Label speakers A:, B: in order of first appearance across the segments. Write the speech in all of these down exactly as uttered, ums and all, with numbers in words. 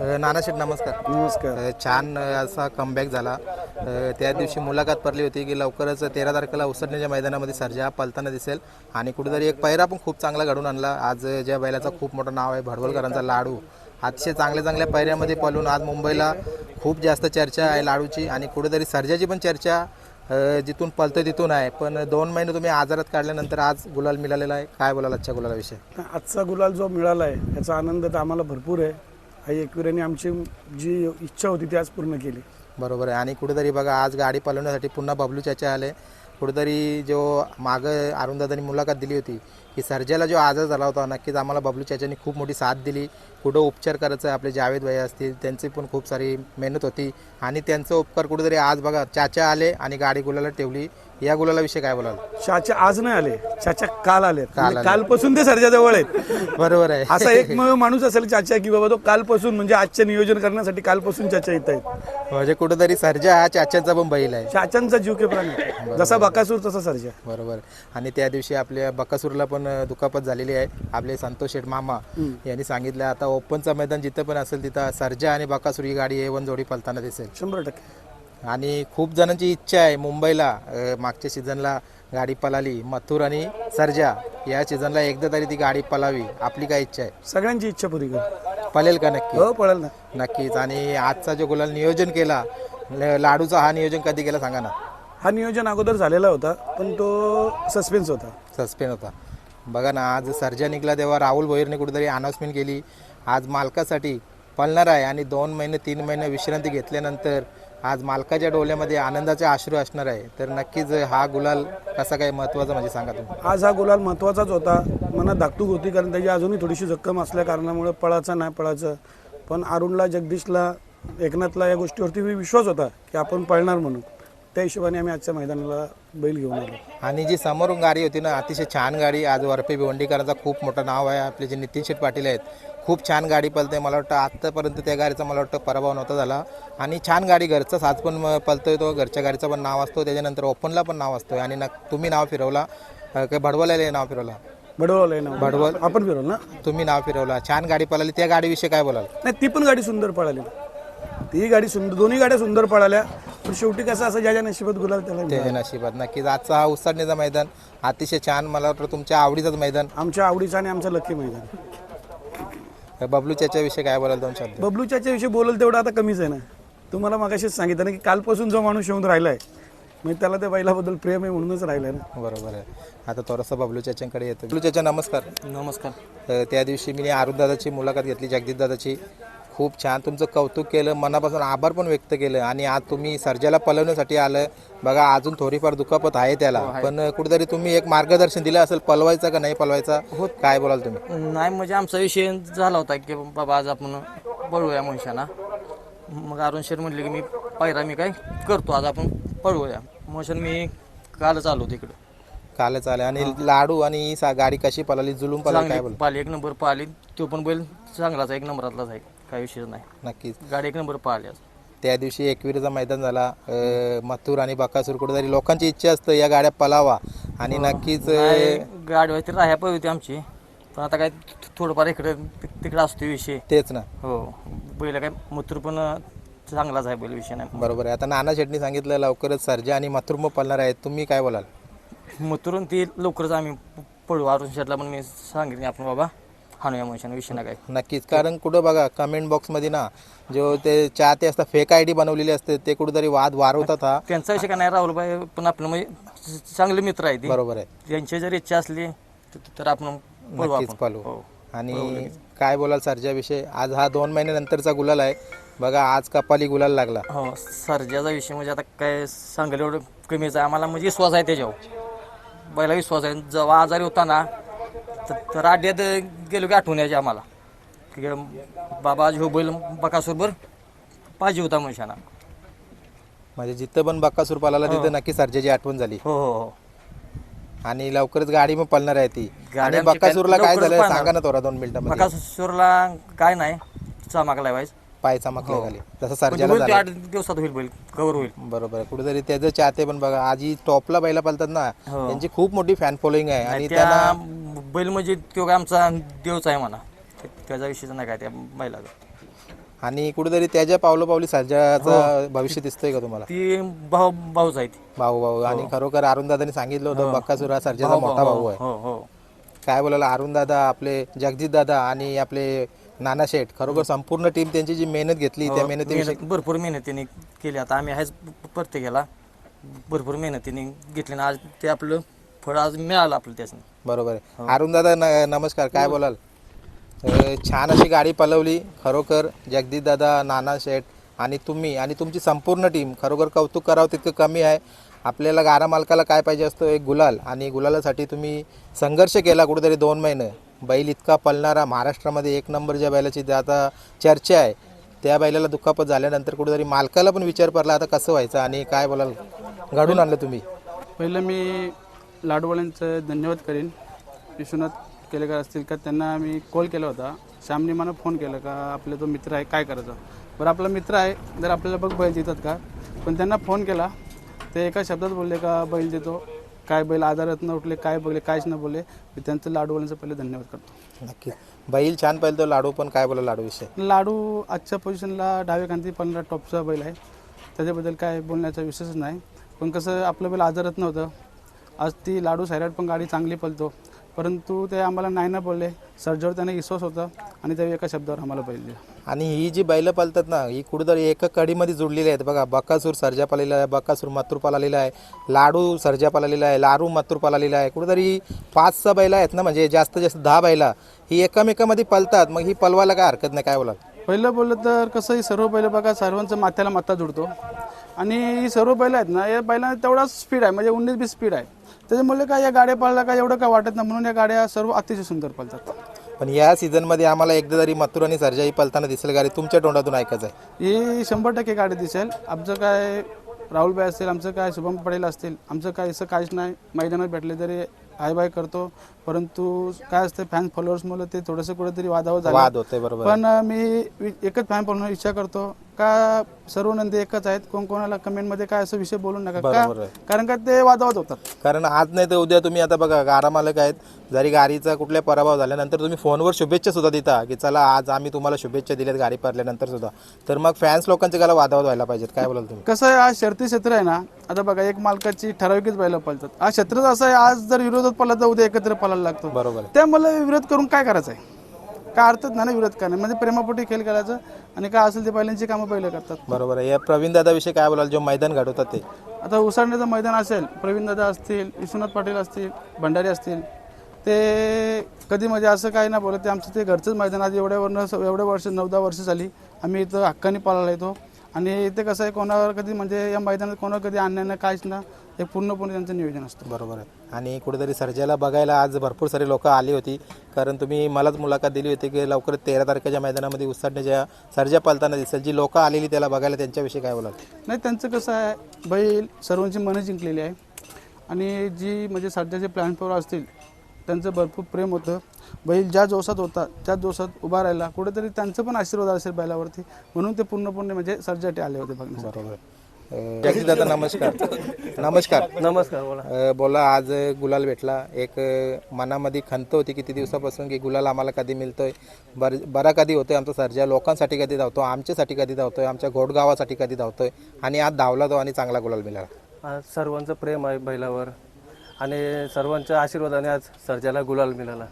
A: नानाशेठ नमस्कार.
B: नमस्कार.
A: अ, छान अ, असा कमबॅक झाला. अ, त्या दिवशी मुलाखत पडली होती की लवकरच तेरा तारखेला उसरण्याच्या मैदानामध्ये सर्जा पलताना दिसेल आणि कुठेतरी एक पैरा पण खूप चांगला घडून आणला. आज अ, ज्या बैलाचं खूप मोठं नाव आहे भडवलकरांचा लाडू, अतिशय चांगल्या चांगल्या पैऱ्यामध्ये पळून आज मुंबईला खूप जास्त चर्चा आहे लाडूची आणि कुठेतरी सर्जाची पण चर्चा अ, जिथून पळतोय तिथून आहे. पण दोन महिने तुम्ही आजारात काढल्यानंतर आज गुलाल मिळालेला आहे. काय बोलाल आजच्या गुलालाविषयी?
B: आजचा गुलाल जो मिळाला आहे याचा आनंद तर आम्हाला भरपूर आहे. आई एकविराने आमची जी इच्छा होती ती आज पूर्ण केली.
A: बरोबर आहे. आणि कुठेतरी बघा आज गाडी पळवण्यासाठी पुन्हा बबलू चाचा आले. कुठेतरी जो मागं अरुणदादांनी मुलाखत दिली होती की सर्जाला जो आजार झाला होता, नक्कीच आम्हाला बबलू चाचांनी खूप मोठी साथ दिली. कुठं उपचार करायचं आपले जावेद भाई असतील त्यांची पण खूप सारी मेहनत होती आणि त्यांचा उपकार कुठेतरी आज बघा चाचा आले आणि गाडी गुलाला ठेवली. या गुलालाविषयी काय बोलाल?
B: चाचा आज नाही आले, चाचा काल आले.
A: काल आले.
B: कालपासून ते सर्जा जवळ आहेत.
A: बरोबर आहे.
B: असा एक म- माणूस असेल चाचा की बाबा तो कालपासून म्हणजे आजचे नियोजन करण्यासाठी कालपासून चाचा येत आहेत.
A: म्हणजे कुठेतरी सर्जा हा चाचांचा पण बैल आहे.
B: चाचांचा जीव के प्राण आहे. जसा बकासूर तसा सर्जा.
A: बरोबर. आणि त्या दिवशी आपल्या बकासूरला पण दुखापत झालेली आहे. आपले संतोष शेठ मामा यांनी सांगितलं आता ओपनचं मैदान जिथं पण असेल तिथं सर्जा आणि बकासूर ही गाडी ए वन जोडी पळताना दिसेल
B: शंभर टक्के.
A: आणि खूप जणांची इच्छा आहे मुंबईला. अ, मागच्या सीझनला गाडी पळाली मथुर आणि सर्जा, या सीझनला एकदा तरी ती गाडी पळावी. आपली काय इच्छा आहे?
B: सगळ्यांची इच्छा पुरी कर.
A: पळेल का? नक्की
B: हो पळेल ना.
A: नक्कीच. आणि आजचा जो गुलाल नियोजन केला ल- लाडूचा, हा नियोजन कधी केला सांगा ना?
B: हा नियोजन अगोदर झालेला होता पण तो सस्पेन्स होता.
A: सस्पेंड होता. बघा ना आज सर्जा निघाला तेव्हा राहुल भोईरने कुठेतरी अनाऊन्समेंट केली आज मालकासाठी पळणार आहे आणि दोन महिने तीन महिने विश्रांती घेतल्यानंतर आज मालकाच्या डोळ्यामध्ये आनंदाचे अश्रू असणार आहे. तर नक्कीच हा गुलाल कसा काय महत्त्वाचा म्हणजे सांगा तुम्ही?
B: आज हा गुलाल महत्त्वाचाच होता. मनात धाकधूक होती कारण त्याची अजूनही थोडीशी जखम असल्या कारणामुळे पळायचं नाही पळायचं. पण अरुणला, जगदीशला, एकनाथला या गोष्टीवरती विश्वास होता की आपण पळणार म्हणून. त्या हिशोबाने आम्ही आजच्या मैदानाला बैल घेऊन आलो.
A: आणि जी समोरून गाडी होती ना अतिशय छान गाडी. आज वरपे भिवंडीकरांचा खूप मोठं नाव आहे. आपले जे नितीन शेठ पाटील आहेत खूप छान गाडी पळते. मला वाटतं आत्तापर्यंत त्या गाडीचा मला वाटतं पराभव नव्हता झाला. आणि छान गाडी, घरचा साज पण म- पळतोय तो, घरच्या गाडीचं पण नाव असतो, त्याच्यानंतर ओपनला पण नाव असतो. आणि न तुम्ही नाव फिरवला अ, काय भडवलेलं नाव फिरवला?
B: भडवल आहे ना.
A: भडवल.
B: आपण फिरवलं ना.
A: तुम्ही नाव फिरवला, छान गाडी पळाली. त्या गाडीविषयी काय बोलाल?
B: नाही ती पण गाडी सुंदर पळाली. ती गाडी सुंदर, दोन्ही गाड्या सुंदर पळाल्या. पण शेवटी कसं असं ज्या ज्या नशिबात गुलाल त्याला मिळाला.
A: ते नशिबात. नक्कीच आजचा हा उसाडणीचा मैदान अतिशय छान, मला वाटतं तुमच्या आवडीचंच मैदान.
B: आमच्या आवडीचं आणि आमचं लकी मैदान.
A: बबलू चाच्याविषयी काय बोलाल दोन शब्द?
B: बबलू चाच्या विषयी बोलल तेवढं आता कमीच आहे ना. तुम्हाला मागाशीच सांगितलं ना की कालपासून जो माणूस येऊन राहिलाय म्हणजे त्याला त्या बैलाबद्दल प्रेम आहे म्हणूनच राहिलाय ना.
A: बरोबर आहे. आता थोडंसं बबलू चाच्यांकडे येतो. बबलू चाचा नमस्कार.
C: नमस्कार.
A: अ, त्या दिवशी मी अरुणदादाची मुलाखत घेतली, जगदीशदादाची. खूप छान तुमचं कौतुक केलं, मनापासून आभार पण व्यक्त केलं. आणि आज तुम्ही सर्जाला पळवण्यासाठी आलं. बघा अजून थोडीफार दुखापत आहे त्याला, पण कुठेतरी तुम्ही एक मार्गदर्शन दिलं असेल पळवायचा का नाही पळवायचा, काय बोलाल तुम्ही?
C: नाही म्हणजे आमचा विषय झाला होता की बाबा आज आपण पळवूया मनुष्याना. मग अरुण शेठ म्हटले की मी पायरा मी काय करतो, आज आपण पळवूया मनुष्यान. मी कालच आलो तिकडं.
A: कालच आलं. आणि लाडू आणि ही सा- गाडी कशी पळाली, जुलूम पळाली, काय बोल?
C: पाली एक नंबर पाहिली. तो पण बैल चांगलाच आहे, एक नंबरातलाच आहे, काही विषय नाही.
A: नक्कीच.
C: गाडी एक नंबर पाहिली आज.
A: त्या दिवशी एकविरीचा मैदान झाला. अ, मथुर आणि बकासूर, कुठेतरी लोकांची इच्छा असतं या गाड्या पळावा आणि नक्कीच अ,
C: गाडी व्हायची राहायला पाहिजे होती आमची, पण आता काय थोडंफार इकडे तिकडे असतो विषय.
A: तेच ना.
C: हो बैल काय मथुर पण चांगलाच आहे, बैल विषय नाही.
A: बरोबर आहे. आता नाना शेटनी सांगितलं लवकरच सर्जा आणि मथुर मग पळणार आहेत, तुम्ही काय बोलाल?
C: मथुरून ती लवकरच आम्ही पळू. अरुण शेटला पण मी सांगितले आपण बाबा हाणूया मनुष्यानं, विषय नाही काय.
A: नक्कीच. कारण कुठं बघा कमेंट बॉक्समध्ये ना जो ते चाहते असतात, फेक आय डी बनवलेली असते, ते कुठेतरी वाद वारवतात. हा
C: त्यांचा विषय काय नाही, राहुलबाई पण आपलं म्हणजे चांगले मित्र आहे ते.
A: बरोबर आहे.
C: त्यांची जर इच्छा असली तर- तर आपण पळू.
A: नक्कीच
C: आपण
A: पळू.
C: हो.
A: आणि काय बोलाल सर्जाविषयी? आज हा दोन महिन्यानंतरचा गुलाल आहे. बघा आज कपाली गुलाल लागला.
C: हो सर्जाचा विषय म्हणजे आता काय सांगायला एवढं कमीच आहे. आम्हाला म्हणजे विश्वास आहे त्याच्यावर, बैला विश्वास आहे. जेव्हा आजारी होता ना तर- तर आड्यात गेलो की आठवण यायची आम्हाला की बाबा आज हो बैल बकासूरभर पाहिजे होता मनुष्याना.
A: म्हणजे जिथं पण बक्कासूर पळाला तिथं नक्की सर्जाची आठवण झाली.
C: हो हो हो.
A: आणि लवकरच गाडी मग पळणार आहे ती.
C: गाडी
A: आणि
C: आमची
A: बक्कासूरला
C: काय
A: काय
C: लवकरच
A: झालं
C: पळणार.
A: सांगा ना थोडा दोन मिनिटांमध्ये.
C: बकासूरला काय नाही, चमाकला व्हायचं.
A: पाय चमकले
C: हो.
A: झाली तसं
C: पण
A: सर्जाला
C: होईल ते
A: झालं.
C: आठ दिवसात होईल बैल, कव्हर होईल.
A: बरोबर आहे. कुठेतरी त्याचं चाहते पण बघा आज ही टॉपला बैला पळतात ना,
C: हो.
A: त्यांची खूप मोठी फॅन फॉलोईंग आहे. आणि
C: आणि
A: त्यांना
C: त्या बैल म्हणजे तो काय आमचा देवच आहे म्हणा, त्याचा विषयच नाही काय त्या बैलाचा.
A: आणि कुठेतरी त्याच्या पावलं पावली सर्जाचा भविष्य दिसतोय का तुम्हाला?
C: ती भाऊ भाऊच आहे ती.
A: भाऊ भाऊ आणि खरोखर अरुण दादांनी सांगितलं होतं बक्कासूर हा सर्जाचा मोठा भाऊ आहे.
C: हो हो
A: काय बोलायला अरुण दादा, आपले जगजित दादा आणि आपले नाना शेठ, खरोखर संपूर्ण टीम त्यांची जी मेहनत घेतली त्या मेहनतीविषयी
C: मेहनत भरपूर मेहनतीने केली. आता आम्ही आहेच प्रत्येकाला भरपूर मेहनतीने घेतली ना आज ते आपलं फळ आज मिळालं आपलं त्याचं.
A: बरोबर आहे. अरुण दादा न- नमस्कार, काय बोलाल? अ, छान अशी गाडी पलवली खरोखर. जगदीश दादा, नाना शेठ आणि तुम्ही आणि तुमची संपूर्ण टीम, खरोखर कौतुक करावं तितकं कमी आहे. आपल्याला गाडा मालकाला काय पाहिजे असतो? एक गुलाल. आणि गुलालासाठी तुम्ही संघर्ष केला कुठेतरी दोन महिने. बैल इतका पळणारा, महाराष्ट्रामध्ये एक नंबर ज्या बैलाची आता चर्चा आहे, त्या बैलाला दुखापत झाल्यानंतर कुठेतरी मालकाला पण विचार पडला आता कसं व्हायचं आणि काय बोलाल घडून आणलं तुम्ही?
D: पहिलं मी लाडवाल्यांचं धन्यवाद करेन. विश्वनाथ केलेकर असतील का, त्यांना मी कॉल केला होता. श्यामने मला फोन केला का आपला तो मित्र आहे काय करायचं. बरं आपला मित्र आहे, जर आपल्याला बघ बैल देतात का, पण त्यांना फोन केला ते एका शब्दात बोलले का बैल देतो. काय बैल आजारात न उठले, काय बघले, काहीच न बोलले. मी त्यांचं लाडूवाल्यांचं पहिले धन्यवाद करतो.
A: नक्की. बैल छान पाहिलं तो लाडू, पण काय बोला लाडू विषय?
D: लाडू आजच्या पोझिशनला डावे कांती पंधरा टॉपचा बैल आहे, त्याच्याबद्दल काय बोलण्याचा विषयच नाही. पण कसं आपलं बैल आजारात नव्हतं. आज ती लाडू सायराट पण गाडी चांगली पळतो, परंतु ते आम्हाला नाही ना बोलले. सर्जावर त्याने विश्वास होता आणि त्या एका शब्दावर आम्हाला बैल दिला.
A: आणि ही जी बैलं पालतात ना, ही कुठेतरी एका कडीमध्ये जुडलेली आहेत बघा. बकासूर सर्जा पालेला आहे, बकासूर मथुर पालेला आहे, लाडू सर्जा पालेला आहे, लारू मथुर पालेला आहे. कुठेतरी पाच सहा बैला आहेत ना, म्हणजे जास्त जास्त दहा बैला ही एकमेकामध्ये पलतात. मग ही पलवायला काय हरकत नाही, काय बोला?
D: पहिलं बोललं तर कसं ही सर्व बैल बघा सर्वांचं माथ्याला माथा जुडतो आणि ही सर्व बैल आहेत ना, या बैलांना तेवढाच स्पीड आहे, म्हणजे उन्नीस बीस स्पीड आहे. त्याच्यामुळे काय या गाड्या पळला का एवढं काय वाटत नाही, म्हणून या गाड्या सर्व अतिशय सुंदर पळतात.
A: पण या सीझनमध्ये आम्हाला एकदा तरी मथुर आणि सर्जा ही पलताना दिसेल गाडी, तुमच्या तोंडातून ऐकायचं आहे.
D: ही शंभर टक्के गाडी दिसेल. आमचं काय राहुलभाई असतील, आमचं काय शुभम पटेल असतील, आमचं काय असं काहीच नाही. मैदानात भेटले तरी हाय बाय करतो, परंतु काय असतं फॅन फॉलोअर्समुळे ते थोडंसं कुठेतरी वादावर झालं.
A: वाद होते बरोबर.
D: पण मी वि- एकच फॅन फॉलोअर इच्छा करतो का सर्व नंदी एकच आहेत. कोण कोणाला कमेंटमध्ये काय असं विषय बोलू नका का,
A: बरोबर आहे.
D: कारण का ते वादावाद होतात.
A: कारण आज नाही तर उद्या तुम्ही आता बघा गाडा मालक आहेत, जरी गाडीचा कुठल्या पराभव झाल्यानंतर तुम्ही फोनवर शुभेच्छा सुद्धा देता की चला आज आम्ही तुम्हाला शुभेच्छा दिल्यात गाडी पडल्यानंतर सुद्धा, तर मग फॅन्स लोकांचे गाला वादावाद व्हायला पाहिजेत. काय बोलाल तुम्ही?
D: कसं आहे आज शर्ती क्षेत्र आहे ना, आता बघा एक मालकाची ठराविकच बैलं पळतात. आज क्षेत्रच असं आहे, आज जर विरोधात पळला तर उद्या एकत्र पळायला लागतो.
A: बरोबर आहे.
D: त्यामुळे विरोध करून काय करायचं आहे? काय अर्थच नाही ना विरोध करणे, म्हणजे प्रेमापोटी खेळ करायचं आणि काय असेल ते बैलांची कामं पहिलं करतात.
A: बरोबर आहे. या प्रवीण दादा विषयी काय बोलाल, जो मैदान घडवतात ते?
D: आता उसाडण्याचं मैदान असेल, प्रवीण दादा असतील, विश्वनाथ पाटील असतील, भंडारी असतील, ते कधी म्हणजे असं काही ना बोलत. ते आमचं ते घरचंच मैदान. आज एवढ्या वर्ष एवढ्या वर्ष नऊ दहा वर्ष झाली आम्ही इथं हक्काने पाळायला येतो. आणि इथे कसं आहे कोणावर कधी म्हणजे या मैदानात कोणावर कधी आणणं नाही काहीच ना, हे पूर्णपणे त्यांचं नियोजन असतं.
A: बरोबर आहे. आणि कुठेतरी सर्जाला बघायला आज भरपूर सारे लोक आली होती, कारण तुम्ही मलाच मुलाखत दिली होती की लवकरच तेरा तारखेच्या मैदानामध्ये उसाडण्याच्या सर्जा पालताना दिसेल. जी लोक आलेली त्याला बघायला, त्यांच्याविषयी काय बोलाल?
D: नाही त्यांचं कसं आहे, बैल सर्वांची मनं जिंकलेली आहे आणि जी म्हणजे सध्याचे प्लॅनफॉर असतील त्यांचं भरपूर प्रेम होतं. बैल ज्या जोशात होता त्या जोशात उभा राहिला, कुठेतरी त्यांचं पण आशीर्वाद असेल बैलावरती, म्हणून ते पूर्णपणे म्हणजे सर्जासाठी आले होते बघण्यासाठी.
A: बरोबर. जगदीश दादा नमस्कार. नमस्कार.
C: नमस्कार बोला.
A: अ, बोला, आज गुलाल भेटला. एक अ, मनामध्ये खंत होती किती दिवसापासून की गुलाल आम्हाला कधी मिळतोय, बर बरा कधी होतोय आमचा सर्जा, लोकांसाठी कधी धावतो, आमच्यासाठी कधी धावतोय, आमच्या घोडगावासाठी कधी धावतोय, आणि आज धावला तो आणि चांगला गुलाल मिळाला.
E: आज सर्वांचं प्रेम आहे बैलावर आणि सर्वांच्या आशीर्वादाने आज सर्जाला गुलाल मिळाला.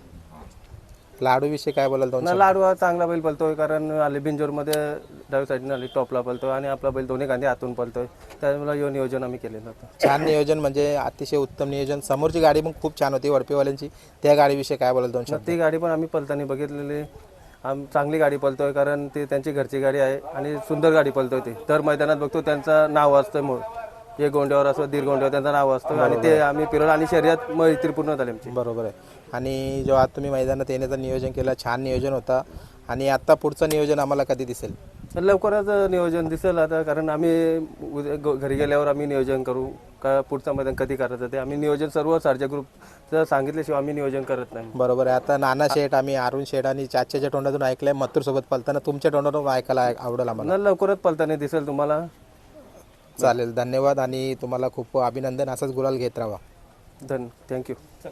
A: लाडू विषयी काय बोलाल दोन
E: ना लाडू हा चांगला बैल पळतोय, कारण आले बिंजोरमध्ये डावी साईडने आली टॉपला पळतोय आणि आपला बैल दोन्ही कांदे आतून पळतोय. त्यामुळे हे नियोजन आम्ही केलेलं होतं.
A: छान नियोजन, म्हणजे अतिशय उत्तम नियोजन. समोरची गाडी पण खूप छान होती वडपेवाल्यांची, त्या गाडीविषयी काय बोलाल दोन शब्द?
E: ती गाडी पण आम्ही पळताना बघितलेली. आम चांगली गाडी पळतोय, कारण ती त्यांची घरची गाडी आहे आणि सुंदर गाडी पळतोय. ती दर मैदानात बघतो त्यांचं नाव असतं, मूळ एक गोंड्यावर असो दीड गोंड्यावर त्यांचं नाव असतं आणि ते आम्ही फिरवलं आणि शर्यत मैत्री पूर्ण झाली आमची.
A: बरोबर आहे. आणि जेव्हा आज तुम्ही मैदानात येण्याचं नियोजन केलं, छान नियोजन होता. आणि आता पुढचं नियोजन आम्हाला कधी दिसेल?
E: लवकरच नियोजन दिसेल आता, कारण आम्ही उद्या ग- घरी गेल्यावर आम्ही नियोजन करू का पुढचं मैदान कधी करायचं ते. आम्ही नियोजन सर्व सारख्या ग्रुपचं सांगितल्याशिवाय आम्ही नियोजन करत नाही.
A: बरोबर आहे. आता नाना शेठ, आम्ही अरुण शेठ आणि चाच्याच्या तोंडातून ऐकलंय मथुर सोबत पलताना, तुमच्या तोंडातून ऐकायला आवडेल आम्हाला.
E: न लवकरच पलताना दिसेल तुम्हाला.
A: चालेल, धन्यवाद आणि तुम्हाला खूप अभिनंदन. असंच गुलाल घेत राहा.
E: धन थँक्यू.